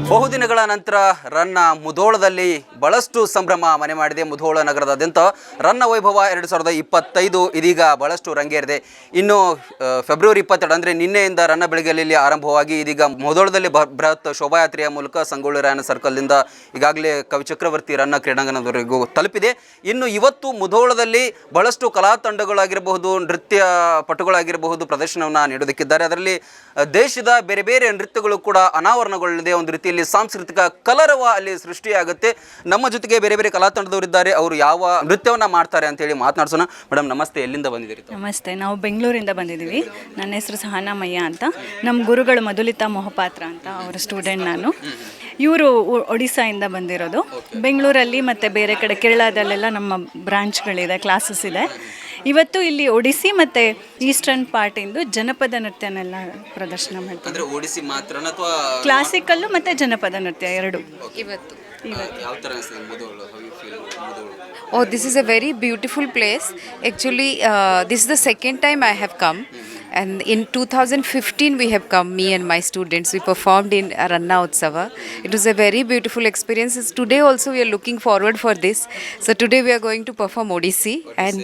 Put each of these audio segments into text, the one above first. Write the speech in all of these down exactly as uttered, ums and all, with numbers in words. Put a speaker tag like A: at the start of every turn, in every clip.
A: ಬಹುದಿನಗಳ ನಂತರ ರನ್ನ ಮುಧೋಳದಲ್ಲಿ ಬಹಳಷ್ಟು ಸಂಭ್ರಮ ಮನೆ ಮಾಡಿದೆ. ಮುಧೋಳ ನಗರದಾದ್ಯಂತ ರನ್ನ ವೈಭವ ಎರಡು ಸಾವಿರದ ಇಪ್ಪತ್ತೈದು ಇದೀಗ ಬಹಳಷ್ಟು ರಂಗೇರಿದೆ. ಇನ್ನು ಫೆಬ್ರವರಿ ಇಪ್ಪತ್ತೆರಡು ಅಂದರೆ ನಿನ್ನೆಯಿಂದ ರನ್ನ ಬೆಳಗ್ಗೆಯಲ್ಲಿ ಆರಂಭವಾಗಿ ಇದೀಗ ಮುಧೋಳದಲ್ಲಿ ಬೃಹತ್ ಶೋಭಾಯಾತ್ರೆಯ ಮೂಲಕ ಸಂಗೊಳ್ಳಿ ರಾಯಣ್ಣ ಸರ್ಕಲ್ನಿಂದ ಈಗಾಗಲೇ ಕವಿ ಚಕ್ರವರ್ತಿ ರನ್ನ ಕ್ರೀಡಾಂಗಣದವರೆಗೂ ತಲುಪಿದೆ. ಇನ್ನು ಇವತ್ತು ಮುಧೋಳದಲ್ಲಿ ಬಹಳಷ್ಟು ಕಲಾ ತಂಡಗಳಾಗಿರಬಹುದು, ನೃತ್ಯ ಪಟುಗಳಾಗಿರಬಹುದು ಪ್ರದರ್ಶನವನ್ನು ನೀಡೋದಕ್ಕಿದ್ದಾರೆ. ಅದರಲ್ಲಿ ದೇಶದ ಬೇರೆ ಬೇರೆ ನೃತ್ಯಗಳು ಕೂಡ ಅನಾವರಣಗೊಳ್ಳಲಿದೆ. ಒಂದು ರೀತಿಯಲ್ಲಿ ಸಾಂಸ್ಕೃತಿಕ ಕಲರವ ಅಲ್ಲಿ ಸೃಷ್ಟಿಯಾಗುತ್ತೆ. ನಮ್ಮ ಜೊತೆಗೆ ಬೇರೆ ಬೇರೆ ಕಲಾ ತಂಡದವರಿದ್ದಾರೆ. ಅವರು ಯಾವ ನೃತ್ಯವನ್ನ ಮಾಡ್ತಾರೆ ಅಂತ ಹೇಳಿ ಮಾತನಾಡ್ಸೋಣ. ಮೇಡಮ್ ನಮಸ್ತೆ, ಎಲ್ಲಿಂದ ಬಂದಿದ್ದೀರಿ?
B: ನಮಸ್ತೆ, ನಾವು ಬೆಂಗಳೂರಿಂದ ಬಂದಿದ್ದೀವಿ. ನನ್ನ ಹೆಸರು ಸಹನಾ ಮಯ್ಯ ಅಂತ. ನಮ್ಮ ಗುರುಗಳು ಮಧುಲಿತಾ ಮೊಹಪಾತ್ರ ಅಂತ, ಅವರ ಸ್ಟೂಡೆಂಟ್ ನಾನು. ಇವರು ಒಡಿಸ್ಸಾಯಿಂದ ಬಂದಿರೋದು. ಬೆಂಗಳೂರಲ್ಲಿ ಮತ್ತು ಬೇರೆ ಕಡೆ ಕೇರಳದಲ್ಲೆಲ್ಲ ನಮ್ಮ ಬ್ರಾಂಚ್ಗಳಿದೆ, ಕ್ಲಾಸಸ್ ಇದೆ. ಇವತ್ತು ಇಲ್ಲಿ ಒಡಿಸ್ಸಿ ಮತ್ತು ಈಸ್ಟರ್ನ್ ಪಾರ್ಟಿಂದು ಜನಪದ ನೃತ್ಯನೆಲ್ಲ ಪ್ರದರ್ಶನ ಮಾಡ್ತಾರೆ.
A: ಒಡಿಸ್ಸಿ ಮಾತ್ರ ಅಥವಾ
B: ಕ್ಲಾಸಿಕಲ್ಲು ಮತ್ತು ಜನಪದ ನೃತ್ಯ ಎರಡು
C: ಇವತ್ತು.
A: ಯಾವ ಥರ ಅನಿಸ್ತದೆ Mudhol?
C: Oh, this is a very beautiful place. Actually, uh, this is the second time I have come. And in two thousand fifteen we have come, me and my students. We performed in Ranna Utsava. It was a very beautiful experience. Today also we are looking forward for this. So today we are going to perform Odissi. And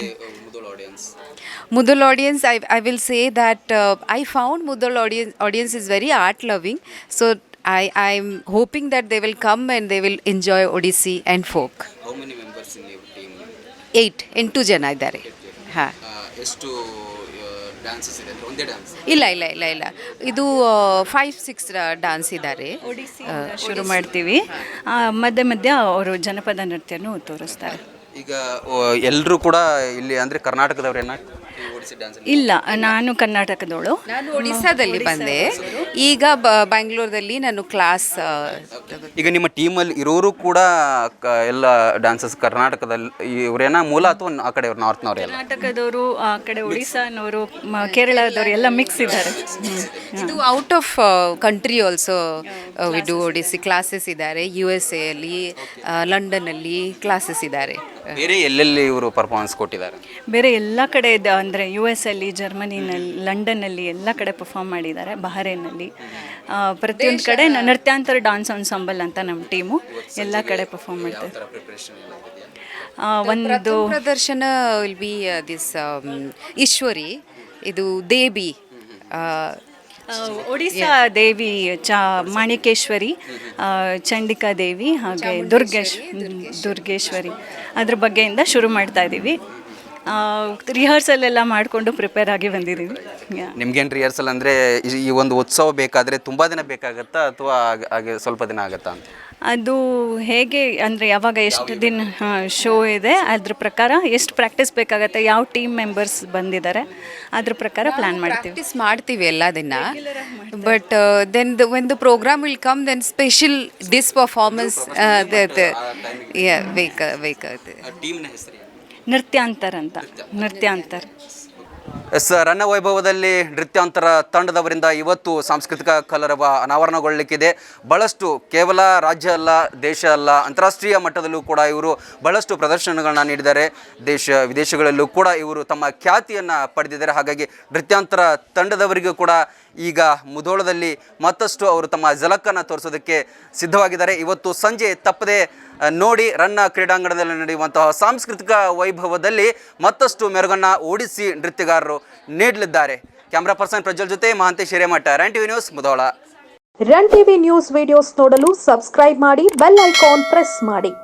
C: Mudhol audience, I, I will say that uh, I found Mudhol audience, audience is very art loving. So I I'm hoping that they will come and they will enjoy Odissi and folk.
A: How many members in your team?
C: Eight. ಎಂಟು ಜನ ಇದ್ದಾರೆ. ಹಾಂ.
A: ಎಷ್ಟು dances ಇದೆ? ಒಂದೇ dance?
C: ಇಲ್ಲ ಇಲ್ಲ ಇಲ್ಲ ಇಲ್ಲ ಇದು ಫೈವ್ ಸಿಕ್ಸ್ ಡ್ಯಾನ್ಸ್ ಇದ್ದಾರೆ.
B: ಶುರು ಮಾಡ್ತೀವಿ. ಮಧ್ಯೆ ಮಧ್ಯ ಅವರು ಜನಪದ ನೃತ್ಯನೂ ತೋರಿಸ್ತಾರೆ.
A: ಈಗ ಎಲ್ಲರೂ ಕೂಡ ಇಲ್ಲಿ ಅಂದರೆ ಕರ್ನಾಟಕದವ್ರೇನ?
B: ಇಲ್ಲ, ನಾನು ಕರ್ನಾಟಕದವಳು.
C: ನಾನು ಒಡಿಸ್ಸಾದಲ್ಲಿ ಬಂದೆ. ಈಗ ಬ್ಯಾಂಗ್ಳೂರಲ್ಲಿ ನಾನು ಕ್ಲಾಸ್.
A: ಈಗ ನಿಮ್ಮ ಟೀಮಲ್ಲಿ ಇರೋರು ಕೂಡ ಎಲ್ಲ ಡ್ಯಾನ್ಸಸ್ ಕರ್ನಾಟಕದಲ್ಲಿ ಇವರೇನ ಮೂಲ ಅಥವಾ ಆ ಕಡೆ ನಾರ್ತ್ನವ್ರು?
B: ಕರ್ನಾಟಕದವರು, ಆ ಕಡೆ ಒಡಿಸ್ಸಾನವರು, ಕೇರಳದವರು ಎಲ್ಲ ಮಿಕ್ಸ್ ಇದ್ದಾರೆ.
C: ಇದು out of country also we do Odissi classes ಇದ್ದಾರೆ. ಯು ಎಸ್ ಎ ಅಲ್ಲಿ, ಲಂಡನ್ನಲ್ಲಿ ಕ್ಲಾಸಸ್ ಇದ್ದಾರೆ.
A: ಬೇರೆ ಎಲ್ಲೆಲ್ಲಿ ಇವರು ಪರ್ಫಾರ್ಮೆನ್ಸ್ ಕೊಟ್ಟಿದ್ದಾರೆ?
B: ಬೇರೆ ಎಲ್ಲ ಕಡೆ ಇದೆ, ಅಂದರೆ ಯು ಎಸ್ ಅಲ್ಲಿ, ಜರ್ಮನಿನಲ್ಲಿ, ಲಂಡನ್ನಲ್ಲಿ ಎಲ್ಲ ಕಡೆ ಪರ್ಫಾರ್ಮ್ ಮಾಡಿದ್ದಾರೆ. ಬಹರೇನಲ್ಲಿ ಪ್ರತಿಯೊಂದು ಕಡೆ ನೃತ್ಯಾಂತರ ಡಾನ್ಸ್ ಅನ್ಸಾಂಬಲ್ ಅಂತ ನಮ್ಮ ಟೀಮು ಎಲ್ಲ ಕಡೆ ಪರ್ಫಾರ್ಮ್ ಮಾಡ್ತಾರೆ. ಒಂದು
C: ಪ್ರದರ್ಶನ ವಿಲ್ ಬಿ ದಿಸ್ ಈಶ್ವರಿ, ಇದು ದೇವಿ,
B: ಒಡಿಸ್ಸಾ ದೇವಿ ಚ ಮಾಣಿಕೇಶ್ವರಿ, ಚಂಡಿಕಾ ದೇವಿ, ಹಾಗೆ ದುರ್ಗೇಶ್ ದುರ್ಗೇಶ್ವರಿ ಅದ್ರ ಬಗ್ಗೆಯಿಂದ ಶುರು ಮಾಡ್ತಾ ಇದ್ದೀವಿ. ರಿಹರ್ಸಲ್ ಎಲ್ಲ ಮಾಡಿಕೊಂಡು ಪ್ರಿಪೇರ್ ಆಗಿ ಬಂದಿದ್ದೀವಿ.
A: ನಿಮ್ಗೇನು ರಿಹರ್ಸಲ್ ಅಂದರೆ ಈ ಒಂದು ಉತ್ಸವ ಬೇಕಾದರೆ ತುಂಬ ದಿನ ಬೇಕಾಗತ್ತಾ ಅಥವಾ ಹಾಗೆ ಸ್ವಲ್ಪ ದಿನ ಆಗುತ್ತಾ ಅಂತ?
B: ಅದು ಹೇಗೆ ಅಂದರೆ ಯಾವಾಗ ಎಷ್ಟು ದಿನ ಶೋ ಇದೆ ಅದ್ರ ಪ್ರಕಾರ ಎಷ್ಟು ಪ್ರಾಕ್ಟೀಸ್ ಬೇಕಾಗತ್ತೆ, ಯಾವ ಟೀಮ್ ಮೆಂಬರ್ಸ್ ಬಂದಿದ್ದಾರೆ ಅದ್ರ ಪ್ರಕಾರ ಪ್ಲ್ಯಾನ್ ಮಾಡ್ತೀವಿ.
C: ಪ್ರಾಕ್ಟೀಸ್ ಮಾಡ್ತೀವಿ ಎಲ್ಲ ದಿನ. But then when the program will come then special this performance ಬೇಕಾಗುತ್ತೆ.
A: ಟೀಮ್ನ ಹೆಸರು
B: ನೃತ್ಯಾಂತರ ಅಂತ. ನೃತ್ಯಾಂತರ
A: ಎಸ್ ರನ್ನ ವೈಭವದಲ್ಲಿ ನೃತ್ಯಾಂತರ ತಂಡದವರಿಂದ ಇವತ್ತು ಸಾಂಸ್ಕೃತಿಕ ಕಲರವ ಅನಾವರಣಗೊಳ್ಳಲಿಕ್ಕಿದೆ. ಬಹಳಷ್ಟು ಕೇವಲ ರಾಜ್ಯ ಅಲ್ಲ, ದೇಶ ಅಲ್ಲ, ಅಂತಾರಾಷ್ಟ್ರೀಯ ಮಟ್ಟದಲ್ಲೂ ಕೂಡ ಇವರು ಬಹಳಷ್ಟು ಪ್ರದರ್ಶನಗಳನ್ನ ನೀಡಿದ್ದಾರೆ. ದೇಶ ವಿದೇಶಗಳಲ್ಲೂ ಕೂಡ ಇವರು ತಮ್ಮ ಖ್ಯಾತಿಯನ್ನು ಪಡೆದಿದ್ದಾರೆ. ಹಾಗಾಗಿ ನೃತ್ಯಾಂತರ ತಂಡದವರಿಗೂ ಕೂಡ ಈಗ ಮುಧೋಳದಲ್ಲಿ ಮತ್ತಷ್ಟು ಅವರು ತಮ್ಮ ಝಲಕ್ಕನ್ನು ತೋರಿಸೋದಕ್ಕೆ ಸಿದ್ಧವಾಗಿದ್ದಾರೆ. ಇವತ್ತು ಸಂಜೆ ತಪ್ಪದೆ ನೋಡಿ ರನ್ನ ಕ್ರೀಡಾಂಗಣದಲ್ಲಿ ನಡೆಯುವಂತಹ ಸಾಂಸ್ಕೃತಿಕ ವೈಭವದಲ್ಲಿ ಮತ್ತಷ್ಟು ಮೆರುಗನ್ನು ಓಡಿಸಿ ನೃತ್ಯಗಾರರು ನೀಡಲಿದ್ದಾರೆ. ಕ್ಯಾಮ್ರಾ ಪರ್ಸನ್ ಪ್ರಜ್ವಲ್ ಜೊತೆ Mahantesh Hiremath, run TV news, Mudhol.
D: Run TV news videos ನೋಡಲು ಸಬ್ಸ್ಕ್ರೈಬ್ ಮಾಡಿ, ಬೆಲ್ ಐಕಾನ್ ಪ್ರೆಸ್ ಮಾಡಿ.